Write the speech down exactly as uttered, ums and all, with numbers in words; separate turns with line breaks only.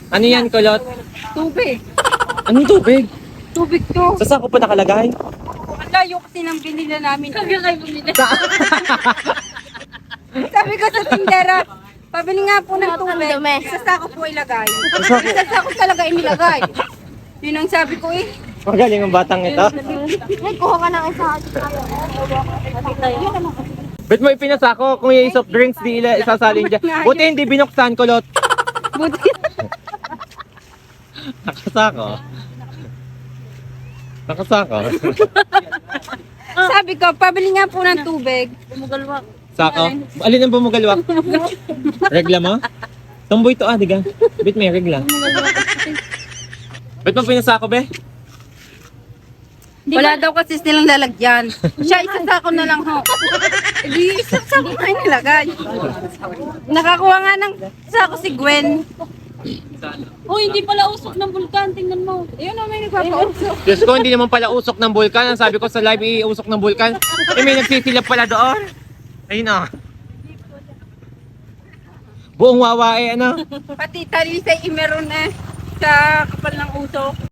Ano yan, kulot?
Tubig.
Anong tubig?
Tubig to.
Sa sako pa nakalagay?
Ang layo kasi nang binili namin. Sabi kayo bumili. Sabi ko sa tindera, pabili nga po ng tubig. Sa sako po ilagay.
sako?
Sa sako talaga inilagay. Yun ang sabi ko eh.
Magaling ang batang ito.
Ay, kuha ka ng isa.
Bet mo ipinasako kung yung soft drinks di ila isasalin dyan. Buti hindi binuksan, kulot.
Buti.
Nakasako. Nakasako.
Sabi ko, pabili nga po ng tubig.
Sako. Alin ang bumugalwak? Regla mo? Tumboy to ah, diga. Bet may regla. Bet mo pinasako, be?
Wala daw kasi silang lalagyan. Siya, isang sako na lang ho. Hindi, isang sako na nilagay. Nakakuha nga ng sako si Gwen.
Oh, hindi pala usok ng bulkan. Tingnan mo.
Ayun na, may nagpapausok.
Diyos ko, hindi naman pala usok ng bulkan. Ang sabi ko sa live, iusok ng bulkan. Eh, may nagsisilap pala doon. Ayun na. Buong wawa eh, ano?
Pati talisay imeron eh. Sa kapal ng usok.